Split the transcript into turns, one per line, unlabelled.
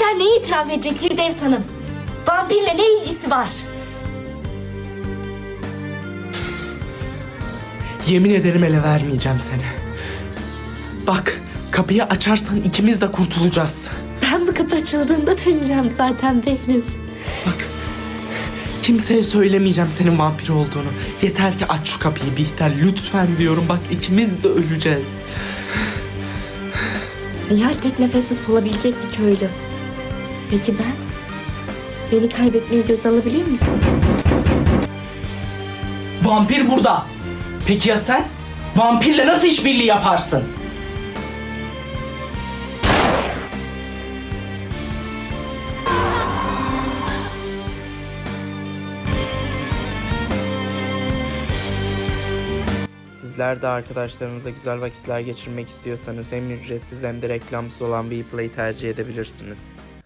Vampirler neyi itiraf edecek Firdevs Hanım? Vampirle ne ilgisi var?
Yemin ederim ele vermeyeceğim seni. Bak, kapıyı açarsan ikimiz de kurtulacağız.
Ben bu kapı açıldığında döneceğim zaten Behlül.
Bak, kimseye söylemeyeceğim senin vampir olduğunu. Yeter ki aç şu kapıyı Bihter, lütfen diyorum. Bak, ikimiz de öleceğiz.
Nihal tek nefeste solabilecek bir köylü. Peki ben? Beni kaybetmeyi göze alabiliyor musun?
Vampir burada. Peki ya sen? Vampirle nasıl işbirliği yaparsın? Sizler de arkadaşlarınızla güzel vakitler geçirmek istiyorsanız hem ücretsiz hem de reklamsız olan Bplay'i tercih edebilirsiniz.